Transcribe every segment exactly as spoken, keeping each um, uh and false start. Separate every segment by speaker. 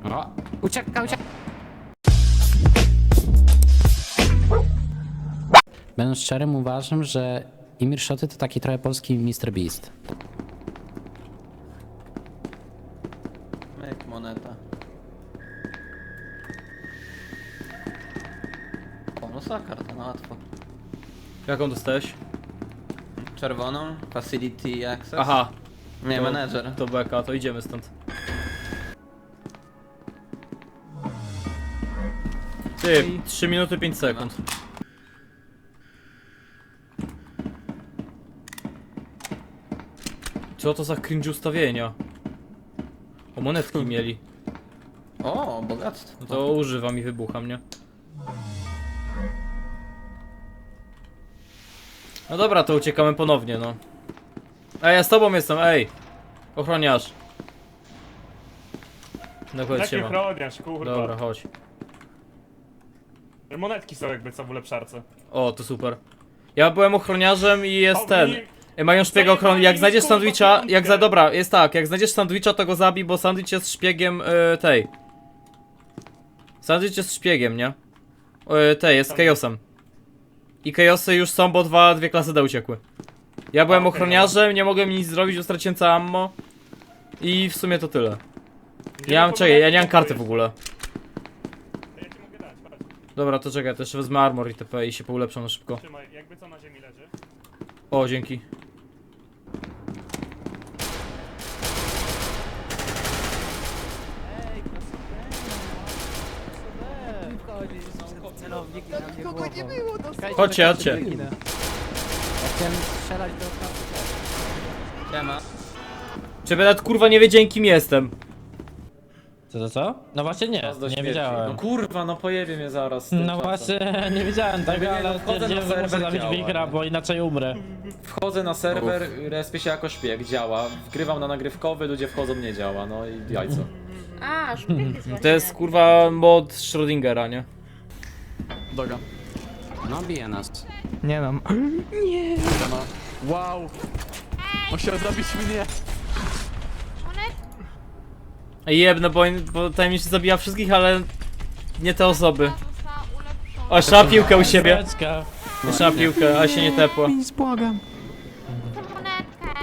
Speaker 1: O, ucieka, ucieka. Będąc szczerym, uważam, że Imir Szoty to taki trochę polski mister Beast.
Speaker 2: Jak moneta. Bonusa karta, no łatwo.
Speaker 3: Jaką dostałeś?
Speaker 2: Czerwoną, facility access.
Speaker 3: Aha,
Speaker 2: Nie,
Speaker 3: to-
Speaker 2: menedżer.
Speaker 3: to beka, to idziemy stąd. Ty, trzy minuty pięć sekund. Co to za cringe ustawienia? O, monetki mieli.
Speaker 2: O, bogactwo.
Speaker 3: No to używam i wybucham, nie? No dobra, to uciekamy ponownie, no. Ej, ja z tobą jestem, ej! Ochroniarz. No chodź
Speaker 4: Jaki
Speaker 3: się ma.
Speaker 4: ochroniarz, kurwa.
Speaker 3: Dobra, chodź.
Speaker 4: Monetki są jakby co w ulepszarce.
Speaker 3: O, to super. Ja byłem ochroniarzem i jest
Speaker 4: O,
Speaker 3: ten.
Speaker 4: nie-
Speaker 3: Ej, mają szpiega
Speaker 4: Zajebali
Speaker 3: ochrony. Jak
Speaker 4: mi,
Speaker 3: znajdziesz
Speaker 4: kurwa,
Speaker 3: sandwicha, jak
Speaker 4: piątkę.
Speaker 3: za. Dobra, jest tak, jak znajdziesz sandwicha, to go zabij, bo sandwich jest szpiegiem y, tej. Sandwich jest szpiegiem, nie? Y, tej, jest Chaosem. I Chaosy już są, bo dwa, dwie klasy D uciekły. Ja byłem
Speaker 4: A, okej,
Speaker 3: ochroniarzem, nie mogłem nic zrobić, bo straciłem całe ammo. I w sumie to tyle.
Speaker 4: Gdzie
Speaker 3: Ja mam,
Speaker 4: to
Speaker 3: czekaj, ja
Speaker 4: monetki
Speaker 3: nie mam karty w
Speaker 4: kupujesz?
Speaker 3: ogóle.
Speaker 4: To ja ci mogę dać, chodź.
Speaker 3: Dobra, to czekaj, też wezmę armor i tp i się poulepszam na szybko.
Speaker 4: Trzymaj, jakby co na ziemi leży.
Speaker 3: O, dzięki. Chodźcie, chodźcie.
Speaker 1: Ja chciałem strzelać do okna.
Speaker 2: Siema.
Speaker 3: Czy nawet kurwa nie wiedziałem kim jestem.
Speaker 5: Co to co? No właśnie nie, nie wiedziałem.
Speaker 6: No kurwa, no pojebie mnie zaraz. z tym
Speaker 5: No
Speaker 6: czasem.
Speaker 5: właśnie, nie wiedziałem tego,
Speaker 6: nie, no
Speaker 5: ale
Speaker 6: wchodzę na
Speaker 5: stwierdziłem, że muszę
Speaker 6: serwer,
Speaker 5: zabić
Speaker 6: działa,
Speaker 5: Wigra,
Speaker 6: nie?
Speaker 5: bo inaczej umrę.
Speaker 6: Wchodzę na serwer, respię się jako szpieg, działa. Wgrywam na nagrywkowy, ludzie wchodzą, nie działa, no i jajco.
Speaker 7: A, szpieg jest właśnie.
Speaker 3: To jest kurwa mod Schrödingera, nie?
Speaker 2: Doga.
Speaker 1: No, bije nas.
Speaker 8: Nie mam. Nie. Wow. On chciał zabić mnie.
Speaker 3: Jebno, bo, bo tajemniczy zabija wszystkich, ale nie te osoby.
Speaker 7: Została ulepszona.
Speaker 3: O, trzeba piłkę u siebie.
Speaker 5: Beczka.
Speaker 3: Trzeba piłkę, a się nie tepła.
Speaker 8: Nic, błagam.
Speaker 7: Tę monetkę.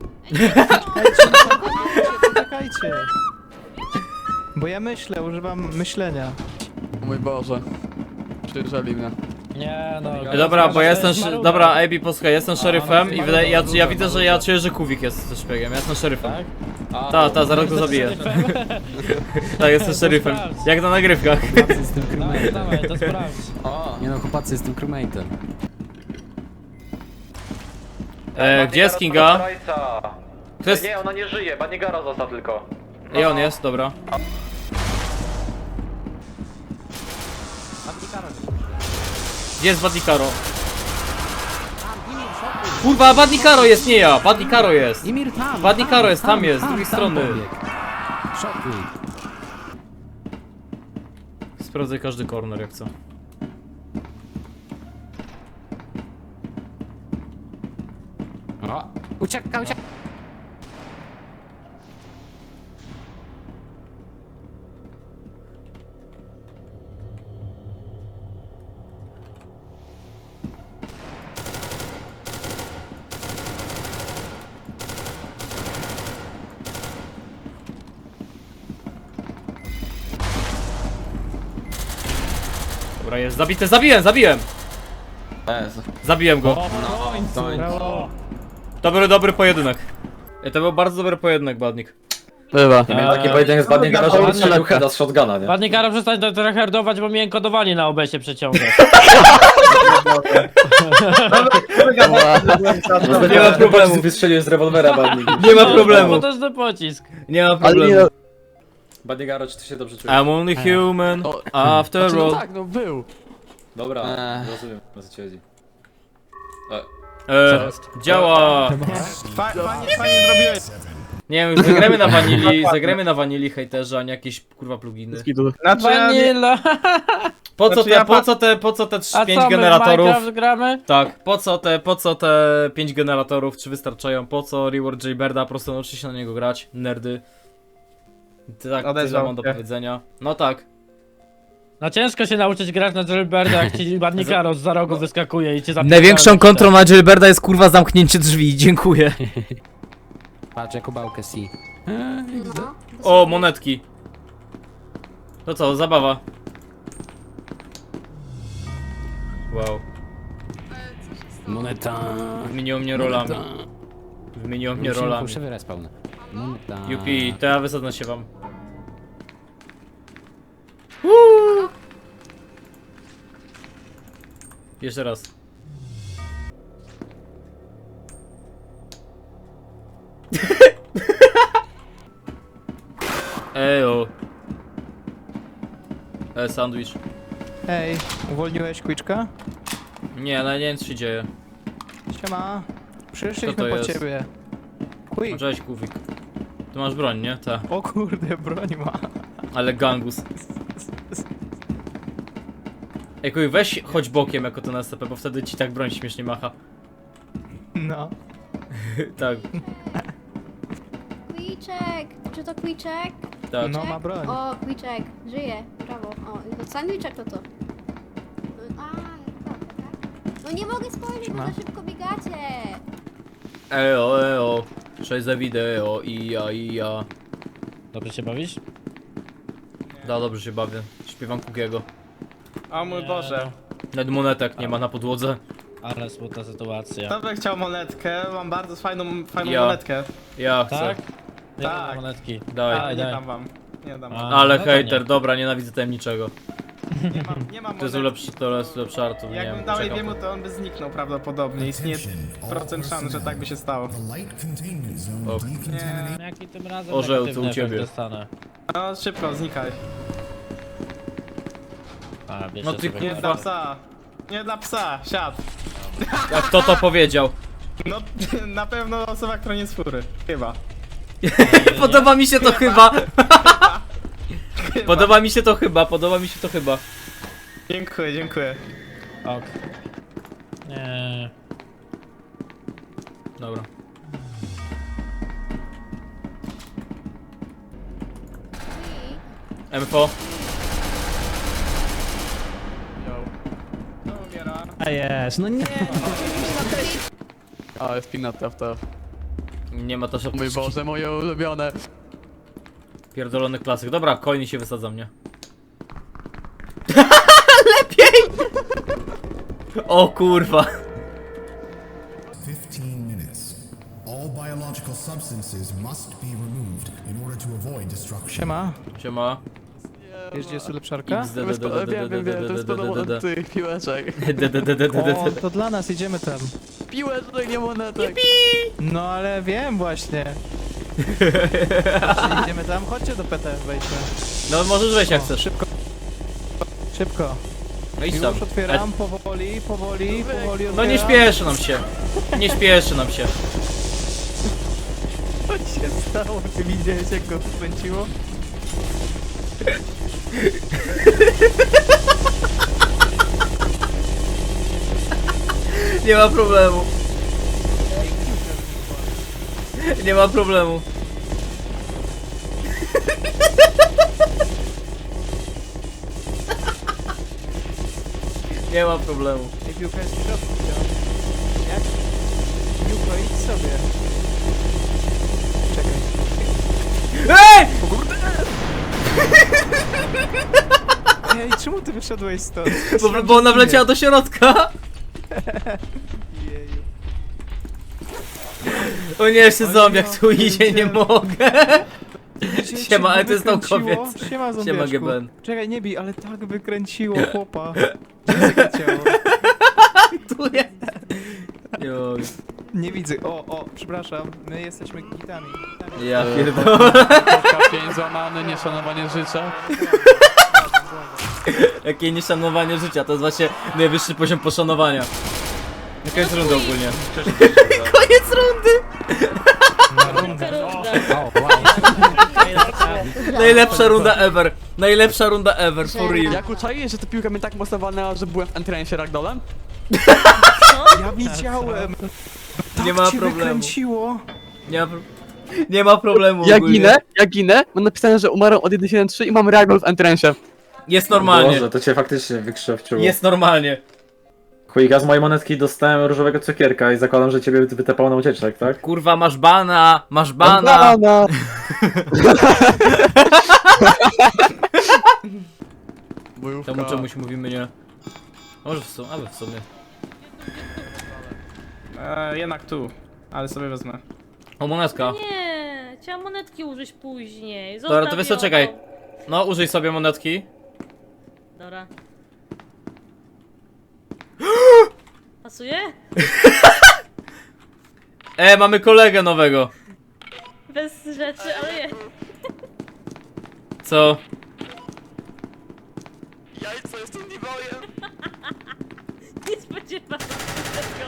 Speaker 8: Czekajcie. Bo ja myślę, używam myślenia.
Speaker 2: O mój Boże. Przyjrzeli mnie.
Speaker 5: Nie no.
Speaker 3: E, Dobra, bo ja jestem.
Speaker 5: Zmarła.
Speaker 3: szy- Dobra, Abi, posłuchaj, jestem szeryfem
Speaker 5: no,
Speaker 3: i wydaje, ja,
Speaker 5: zmarła,
Speaker 3: ja widzę, że ja
Speaker 5: zmarła.
Speaker 3: czuję, że Kuwik jest też szpiegiem. Ja jestem szeryfem.
Speaker 5: Tak?
Speaker 3: Ta, ta, zaraz go zabiję. Tak, jestem szeryfem. Jak na nagrywkach.
Speaker 1: Chłopacy, jestem
Speaker 5: Dawaj,
Speaker 1: crewmate'em.
Speaker 5: dawaj, to sprawdź.
Speaker 2: O,
Speaker 1: Nie no, chłopacy, jestem crewmate'em.
Speaker 3: E, gdzie jest Kinga? To jest.
Speaker 6: Nie, ona nie żyje, Banigara został tylko.
Speaker 3: I on jest, dobra. Gdzie jest Badnikaro? Kurwa, Badnikaro jest, nie ja! Badnikaro jest!
Speaker 1: Imir tam!
Speaker 3: Badnikaro jest, tam jest, z drugiej strony.
Speaker 1: Szotuj.
Speaker 3: Sprawdzaj każdy corner jak co.
Speaker 1: O, ucieka, ucieka.
Speaker 3: Dobra, jest zabity, zabiłem, zabiłem!
Speaker 2: Jezu.
Speaker 3: Zabiłem go.
Speaker 2: To
Speaker 5: Brawo.
Speaker 3: Dobry, dobry pojedynek. E, To był bardzo dobry pojedynek, Badnik.
Speaker 2: bywa.
Speaker 6: Nie miałem taki pojedynek z Banigara, że
Speaker 5: Ładnie.
Speaker 6: strzelił heada z shotguna, nie?
Speaker 5: Ładnie Karo, przestań to tryhardować, bo mnie kodowali na O B S-ie przeciągać.
Speaker 3: Nie ma problemu.
Speaker 6: Wystrzeliłeś z rewolwera, Banig.
Speaker 3: Nie ma
Speaker 5: To
Speaker 3: problemu.
Speaker 5: też ten pocisk.
Speaker 3: Nie ma problemu.
Speaker 6: Banigaro, czy ty się dobrze czujesz?
Speaker 3: I'm only human,
Speaker 2: O,
Speaker 3: after
Speaker 2: Znaczy, no
Speaker 3: all.
Speaker 2: tak, no był.
Speaker 6: Dobra,
Speaker 2: Eee.
Speaker 6: rozumiem, o co ci chodzi. E,
Speaker 3: E, działa.
Speaker 8: Fajnie, fajnie zrobiłeś.
Speaker 3: Nie wiem, zagrajmy na wanili, zagrajmy na wanili hejterze, a nie jakieś kurwa pluginy.
Speaker 8: Znaczy, ja nie...
Speaker 5: Vanilla.
Speaker 3: Po co
Speaker 8: Znaczy,
Speaker 3: te,
Speaker 8: ja
Speaker 3: po
Speaker 8: pa-
Speaker 3: co te, po co te
Speaker 5: A
Speaker 3: pięć
Speaker 5: co, my w
Speaker 3: generatorów?
Speaker 5: Minecraft gramy?
Speaker 3: Tak, po co te, po co te pięć generatorów, czy wystarczają? Po co reward Jaybirda, po prostu nauczy się na niego grać, nerdy. Tak, tyle
Speaker 9: Odezwał
Speaker 3: mam do
Speaker 9: się.
Speaker 3: powiedzenia. No tak.
Speaker 5: No ciężko się nauczyć grać na Jailbirda, jak ci ładnie Karos za rogu wyskakuje i cię zapierdala.
Speaker 3: Największą kontrą na Jailbirda jest kurwa zamknięcie drzwi, dziękuję.
Speaker 1: Patrz, Jakubałkę si.
Speaker 7: No.
Speaker 3: O, monetki. To co, zabawa. Wow.
Speaker 1: Moneta.
Speaker 3: Wymieniło mnie rolami.
Speaker 1: Moneta.
Speaker 3: Wymieniło mnie
Speaker 1: Musimy
Speaker 3: rolami.
Speaker 1: fałszywy respawn. Moneta.
Speaker 3: Jupi, to ja wysadzę się wam. Jeszcze raz. Ejo. E, sandwich.
Speaker 9: Hej, uwolniłeś Quiczka?
Speaker 3: Nie, ale nie wiem co się dzieje.
Speaker 9: Siema.
Speaker 3: Co
Speaker 9: Przyszliśmy
Speaker 3: to
Speaker 9: po
Speaker 3: jest?
Speaker 9: ciebie. Quick.
Speaker 3: Cześć, Kufik. Ty masz broń, nie? Tak.
Speaker 9: O kurde, broń ma.
Speaker 3: Ale gangus. Ej, kuj, weź chodź bokiem jako ten S C P, bo wtedy ci tak broń śmiesznie macha.
Speaker 9: No.
Speaker 3: Tak,
Speaker 7: Kwiczek! Czy to Kwiczek?
Speaker 3: tak.
Speaker 9: No ma broń.
Speaker 7: O, Kwiczek, żyje, brawo. O, to sandwiczek to to. A, dobra, tak? No nie mogę spojrzeć, bo
Speaker 9: Ma?
Speaker 7: za szybko biegacie.
Speaker 3: Eo, eo. Cześć za wideo, i ja, i ja.
Speaker 5: Dobrze się bawisz?
Speaker 3: Da, dobrze się bawię. Śpiewam Kukiego.
Speaker 9: O mój Boże.
Speaker 3: Nawet monetek nie ma na podłodze.
Speaker 5: Ale smutna sytuacja.
Speaker 9: Kto by chciał monetkę? Mam bardzo fajną, fajną
Speaker 3: Ja.
Speaker 9: monetkę.
Speaker 3: Ja chcę.
Speaker 5: Tak? Ja
Speaker 9: Tak.
Speaker 5: mam monetki.
Speaker 3: Daj.
Speaker 9: Ale nie
Speaker 5: daj.
Speaker 9: dam wam. Nie dam wam.
Speaker 5: A,
Speaker 3: Ale
Speaker 5: no to
Speaker 3: hejter,
Speaker 5: nie.
Speaker 3: dobra, nienawidzę tajemniczego.
Speaker 9: Nie mam, nie mam
Speaker 3: To jest
Speaker 9: monetki.
Speaker 3: ulepszy, to jest ulepszy artu, nie
Speaker 9: Jakbym
Speaker 3: wiem,
Speaker 9: dał
Speaker 3: czekam.
Speaker 9: Ebiemu, to on by zniknął prawdopodobnie. Istnieje procent szans, że tak by się stało.
Speaker 3: O,
Speaker 9: Nie.
Speaker 5: Jaki tym razem
Speaker 3: Orzeł,
Speaker 5: negatywny
Speaker 3: co u ciebie?
Speaker 5: efekt dostanę?
Speaker 9: No szybko, znikaj.
Speaker 5: A, wiesz,
Speaker 3: No
Speaker 5: że
Speaker 3: ty
Speaker 5: sobie-
Speaker 9: Nie
Speaker 3: Kurwa.
Speaker 9: dla psa. Nie dla psa, siad.
Speaker 3: A kto to powiedział?
Speaker 9: No na pewno osoba, która nie z fury. Chyba.
Speaker 3: Podoba mi się to chyba. Podoba mi się to chyba, podoba mi się to chyba.
Speaker 9: Dziękuję, dziękuję.
Speaker 5: Ok. Nie.
Speaker 3: Dobra. Info.
Speaker 9: To umiera.
Speaker 5: A jest, no nie.
Speaker 8: A, jest ping na T F T.
Speaker 3: Nie ma to
Speaker 8: O mój Boże, moje ulubione.
Speaker 3: pierdolony klasyk. Dobra, coiny się wysadza mnie. Lepiej! O kurwa.
Speaker 10: fifteen minutes. All biological substances must be removed in order to avoid destruction.
Speaker 9: Siema.
Speaker 3: Siema.
Speaker 9: Wiesz gdzie jest ulepszarka?
Speaker 3: X D
Speaker 8: To
Speaker 3: D
Speaker 8: jest
Speaker 3: D
Speaker 8: po-
Speaker 3: D
Speaker 8: Wiem, wiem, wiem, to jest podobno
Speaker 3: D D
Speaker 8: od tych piłeczek.
Speaker 3: D D D D D
Speaker 9: O, to dla nas, idziemy tam.
Speaker 8: Piłeczek, nie monetek.
Speaker 9: No ale wiem właśnie. Idziemy tam, chodźcie do P T, wejdźmy.
Speaker 3: No możesz wejść jak
Speaker 9: O,
Speaker 3: chcesz.
Speaker 9: Szybko. Szybko.
Speaker 3: No idź tam.
Speaker 9: Już otwieram, powoli, powoli, powoli
Speaker 3: No nie
Speaker 9: otwieram.
Speaker 3: śpieszy nam się. Nie śpieszy nam się.
Speaker 9: Co się stało? Ty widziałeś jak go wkręciło?
Speaker 3: Nie ma problemu. Nie ma problemu. Nie ma problemu.
Speaker 9: Ej, piłka jest w środku, widziałem. Jak? Piłko, idź sobie. Czekaj.
Speaker 3: Ej!
Speaker 9: Ej, czemu ty wyszedłeś stąd?
Speaker 3: Bo, bo ona wleciała do środka.
Speaker 9: Jeju.
Speaker 3: O nie, jeszcze
Speaker 9: O
Speaker 3: zombiak
Speaker 9: ja
Speaker 3: tu idzie, nie
Speaker 9: pierdzielę.
Speaker 3: mogę.
Speaker 9: Wiecie,
Speaker 3: Siema,
Speaker 9: czym
Speaker 3: ale to jest
Speaker 9: wykręciło?
Speaker 3: naukowiec.
Speaker 9: Siema,
Speaker 3: Siema,
Speaker 9: zombiaczku.
Speaker 3: G B N.
Speaker 9: Czekaj, nie bij, ale tak wykręciło chłopa. Gdzie jest jego ciało?
Speaker 3: Tu jest. Nie mogę.
Speaker 9: Nie widzę. O, o, przepraszam. My jesteśmy gitami. gitami.
Speaker 3: Ja pierdolę.
Speaker 8: Pięć złamany, nieszanowanie życia.
Speaker 3: Jakie nieszanowanie życia, to jest właśnie najwyższy poziom poszanowania. Na koniec rundy ogólnie. Koniec rundy!
Speaker 1: O, wow.
Speaker 3: Najlepsza runda ever. Najlepsza runda ever, for real.
Speaker 8: Jak uczaiłeś, że ta piłka mnie tak mocno walnęła, że byłem w entrensie ragdolem?
Speaker 9: Ja widziałem.
Speaker 3: Nie ma
Speaker 9: Tak cię
Speaker 3: problemu.
Speaker 9: wykręciło.
Speaker 3: Nie ma pro... Nie ma problemu
Speaker 8: Ja
Speaker 3: ogólnie.
Speaker 8: ginę, ja ginę, mam napisane, że umarłem od jeden siedem trzy i mam reagol w entrensie.
Speaker 3: Jest normalnie.
Speaker 6: Boże, to cię faktycznie wykrzewczyło.
Speaker 3: Jest normalnie.
Speaker 6: Chuj, ja z mojej monetki dostałem różowego cukierka i zakładam, że ciebie wytepało na ucieczek, tak?
Speaker 3: Kurwa, masz bana, masz bana.
Speaker 8: Banana.
Speaker 2: Bojówka.
Speaker 3: Temu czemuś mówimy nie. Może w sumie, ale w sumie.
Speaker 9: E, jednak tu, ale sobie wezmę.
Speaker 3: O, monetka.
Speaker 11: Nie, chciałam monetki użyć później.
Speaker 3: Dobra, to
Speaker 11: Zostaw
Speaker 3: wiesz co,
Speaker 11: ją.
Speaker 3: czekaj. No, użyj sobie monetki.
Speaker 11: Dobra. Pasuje?
Speaker 3: E, mamy kolegę nowego.
Speaker 11: Bez rzeczy, ale je.
Speaker 3: Co?
Speaker 8: Jajco, jestem niebojem.
Speaker 11: Nie spodziewałam się tego.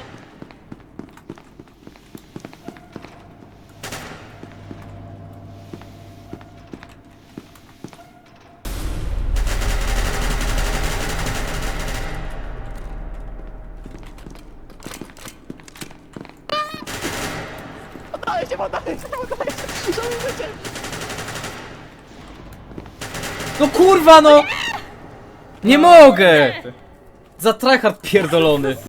Speaker 3: No kurwa no! Nie mogę! Za tryhard pierdolony.